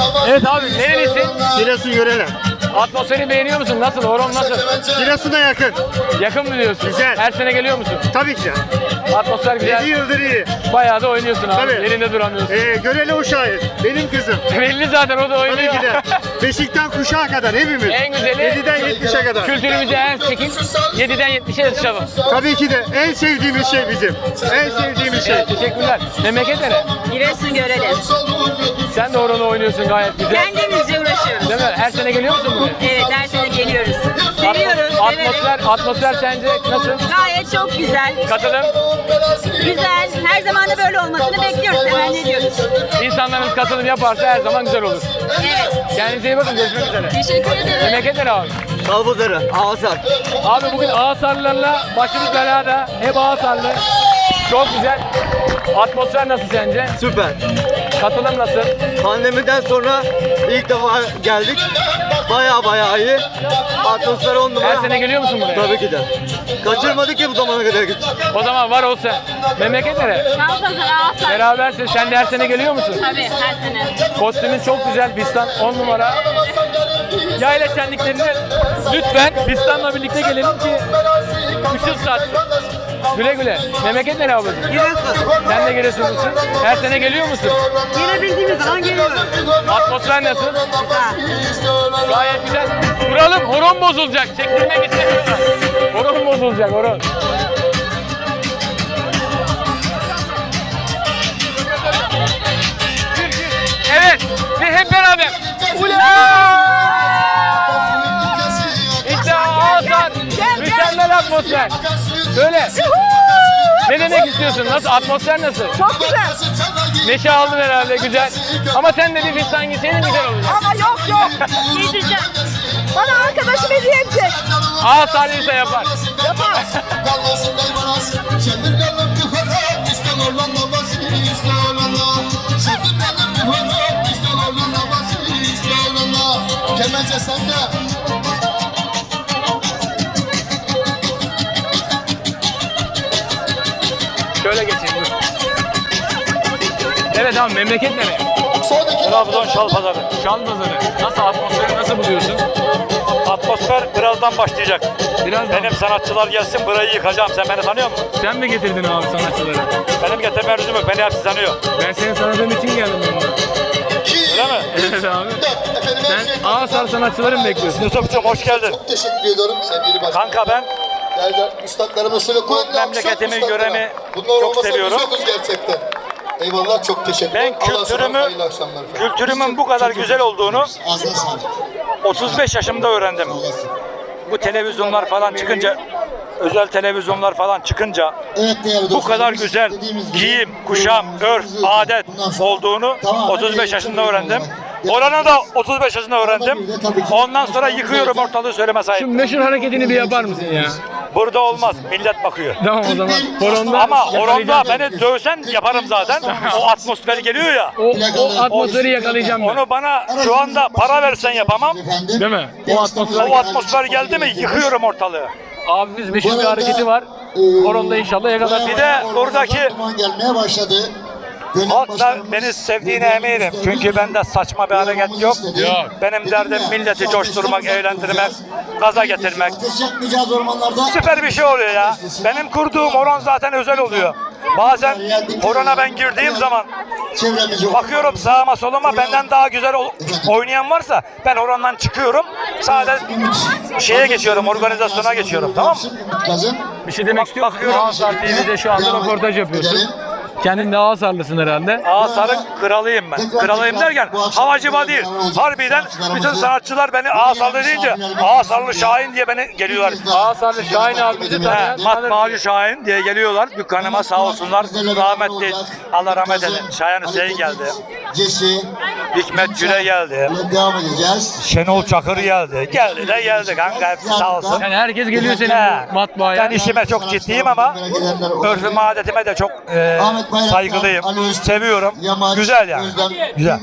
Evet abi, nerelisin? Giresun Görele. Atmosferi beğeniyor musun? Nasıl? Horon nasıl? Giresun'a yakın. Yakın mı diyorsun? Güzel. Her sene geliyor musun? Tabii ki. Atmosfer 7 güzel. yıldır iyi. Bayağı da oynuyorsun abi. Tabii. Yerinde duramıyorsun. Görele uşağı. Benim kızım. Belli zaten, o da Tabii oynuyor. ki de. Beşikten kuşağa kadar hepimiz. En güzeli 7'den 70'e kadar. kültürümüze en çekin. 7'den 70'e yatışalım. Tabii ki de en sevdiğimiz şey bizim. En sevdiğimiz şey. Evet, teşekkürler. Memleket nere? Giresun Görele. Sen de horonla oynuyorsun gayet güzel. Kendimizce uğraşıyoruz. Değil mi? Her sene geliyor musun buraya? Evet, her sene geliyoruz. Seviyoruz, severek. Atmosfer sence nasıl? Gayet çok güzel. Katılım. Güzel. Her zaman da böyle olmasını bekliyoruz. Hemen ne diyoruz? İnsanlarımız katılım yaparsa her zaman güzel olur. Evet. Kendinize iyi bakın. Görüşmek üzere. Teşekkür ederim. Memleket nere abi? Kalbuzarı, Ağasar. Abi bugün Ağasarlılarla başımız belada. Hep Ağasarlı. Çok güzel. Atmosfer nasıl sence? Süper. Katılım nasıl? Pandemiden sonra ilk defa geldik. Baya iyi. Atmosfer 10 numara. Her sene geliyor musun buraya? Tabii ki de. Kaçırmadık ki bu zamana kadar. O zaman var ol sen. Memleket nere? Kalpazar, Ağasar. Berabersin. Sen de her sene geliyor musun? Tabii, her sene. Kostümün çok güzel. Bistan 10 numara. Yayla şenliklerine lütfen Bistan'la birlikte gelelim ki ışıl satsın. Güle güle. Memleket nere ablacığım? Giresun. Sen de Giresunlusun. Her sene geliyor musun? Gelebildiğimiz zaman geliyoruz. Atmosfer nasıl? Gayet güzel. Duralım. Horon bozulacak. Çektirmek istemiyorlar. Horon bozulacak. Horon. Evet. Ve hep beraber. Ula! İşte Ağasar. Mükemmel atmosfer. Söyle. Ne demek istiyorsun? Nasıl? Atmosfer nasıl? Çok güzel. Neşe aldın herhalde, güzel. Ama sen de bir fistan giyseydin güzel olacak. Ama yok. Giydireceğim. Bana arkadaşım hediye edecek. Ağasarlıysa yapar. Yapar. Kemence sende. Şöyle geçeyim dur. Evet abi, memleket nereye? Trabzon Şalpazarı. Şalpazarı. Nasıl, atmosferi nasıl buluyorsun? Atmosfer birazdan başlayacak. Biraz Benim sanatçılar gelsin, burayı yıkacağım. Sen beni tanıyor musun? Sen mi getirdin abi sanatçıları? Benim getirme lüzum yok. Beni hepsi tanıyor. Ben seni tanıdığım için geldim yanına. Öyle mi? Evet abi. Sen Ağasar sanatçıları mı bekliyorsun? Yusuf'cum hoş geldin. Çok teşekkür ediyorum sevgili başkanım. Kanka ben Değerli üstadlarımız şöyle kuvvetli memleketimin alkışlar üstadlara. göremi Bunlar çok olmasa seviyorum. biz yokuz gerçekten. Eyvallah, çok teşekkür Ben ederim. Allah'a emanet, kültürümün bu kadar güzel olduğunu Ağzına sağlık. 35 yaşımda öğrendim. Bu televizyonlar falan çıkınca, özel televizyonlar falan çıkınca Evet değerli bu kadar dostlarımız, güzel dediğimiz gibi giyim, kuşam, örf, adet bundan sonra olduğunu tamamen 35 yaşında değiştirmiyorum öğrendim. ben. Oranı da 35 yaşında öğrendim. Ondan sonra yıkıyorum ortalığı söyleme Şu sahip. meşhur hareketini bir yapar mısın ya? Burada olmaz. Millet bakıyor. Tamam o zaman. Horonda Ama horonda yakalayacağım. beni dövsen yaparım zaten. O atmosfer geliyor ya. O atmosferi yakalayacağım ben. Onu bana şu anda para versen yapamam. Değil mi? O atmosfer. O atmosfer geldi mi yıkıyorum ortalığı. Abimiz meşhur bir hareketi var. Horonda inşallah yakalar. Bir de buradaki gelmeye başladı. halk da beni sevdiğine eminim. Çünkü bende saçma bir hareket yok. Yok. Benim derdim milleti coşturmak, eğlendirmek, gaza getirmek. Ateş yakmayacağız ormanlarda. Süper bir şey oluyor ya. Benim kurduğum horon zaten özel oluyor. Bazen horona ben girdiğim zaman Çevremiz yok. bakıyorum sağıma soluma, benden daha güzel oynayan varsa ben horondan çıkıyorum. Sadece şeye geçiyorum, organizasyona geçiyorum, tamam mı? Bir şey demek istiyorum. Bakıyorum. Ağasar TV'de şu anda röportaj yapıyorsun. Kendin de Ağasarlısın herhalde. Ağasar'ın kralıyım ben. Kralıyım derken havacıma değil. Harbiden bütün sanatçılar beni Ağasarlı deyince Ağasarlı Şahin diye beni geliyorlar. Ağasarlı Şahin abimizi tanıyan Matbaacı Şahin diye geliyorlar. Dükkanıma sağ olsunlar. Rahmetli, Allah rahmet eylesin. Şahin Hüseyin geldi. Cesi. Hikmet Güle geldi. Devam edeceğiz. Şenol Çakır geldi. Geldi de geldi kanka, hepsi sağ olsun. Yani herkes geliyor senin He. bu matbaaya. Ben işime çok ciddiyim ama örfüme, adetime de çok saygılıyım. Seviyorum. Güzel yani. Güzel.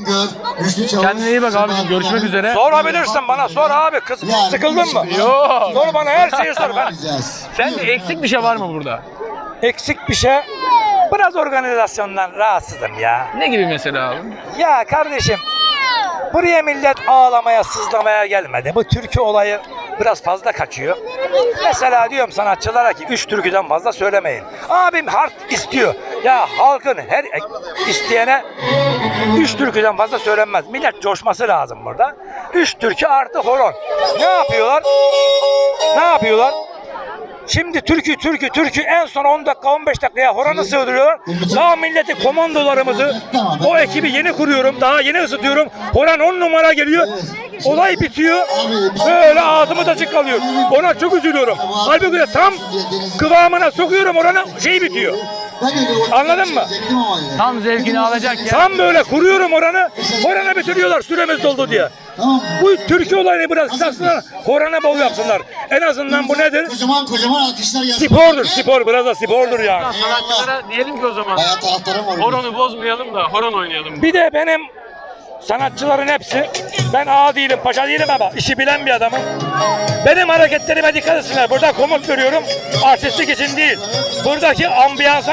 Kendine iyi bak abicim. Görüşmek üzere. Sorabilirsin bana, sor abi. Kız sıkıldın mı? Yok. Sor bana, her şeyi sor. Ben Sen de eksik bir şey var mı burada? eksik bir şey, biraz organizasyondan rahatsızım ya. Ne gibi mesela abi? Ya kardeşim, Buraya millet ağlamaya, sızlamaya gelmedi. Bu türkü olayı biraz fazla kaçıyor. Mesela diyorum sanatçılara ki 3 türküden fazla söylemeyin. Abim harf istiyor. Ya halkın her isteyene 3 türküden fazla söylenmez. Millet coşması lazım burada. 3 türkü artı horon. Ne yapıyorlar? Ne yapıyorlar? Şimdi türkü en son 10 dakika 15 dakikaya horonu sığdırıyorlar. Daha milleti komandolarımızı o ekibi yeni kuruyorum. Daha yeni ısıtıyorum. Horon 10 numara geliyor. Olay bitiyor. Böyle ağzımız açık kalıyor. Ona çok üzülüyorum. Halbuki de tam kıvamına sokuyorum oranı şey bitiyor. Anladın mı? Tam zevkini alacak ya. Tam böyle kuruyorum oranı. Horanı bitiriyorlar süremiz doldu diye. Bu türkü olayını biraz kısaltsınlar. Horana bol yapsınlar. En azından bu nedir? Kocaman alkışlar gelsin. Spordur, spor. Biraz da spordur yani. Sanatçılara diyelim ki o zaman. Bayağı taraftarım var. Horonu bozmayalım da horon oynayalım. Bir de benim sanatçıların hepsi, ben ağa değilim, paşa değilim ama işi bilen bir adamım. Benim hareketlerime dikkat etsinler. Burada komut veriyorum, artistlik için değil. Buradaki ambiyansa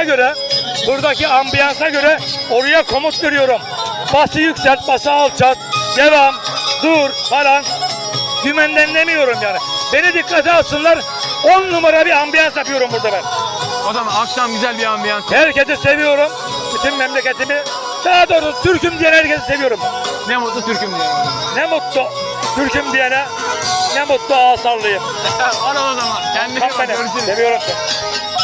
göre oraya komut veriyorum. Bası yükselt, bası alçalt, devam, dur falan. Dümenden demiyorum yani. Beni dikkate alsınlar. 10 numara bir ambiyans yapıyorum burada ben. O zaman akşam güzel bir ambiyans. Herkesi seviyorum. Bütün memleketimi. Daha doğrusu Türk'üm diyen herkesi seviyorum. Ne mutlu Türk'üm diye. Ne mutlu Türk'üm diyene, ne mutlu Ağasarlıyım. Var o zaman. Kendine Bak bak. beni, Görüşürüz. seviyorum seni.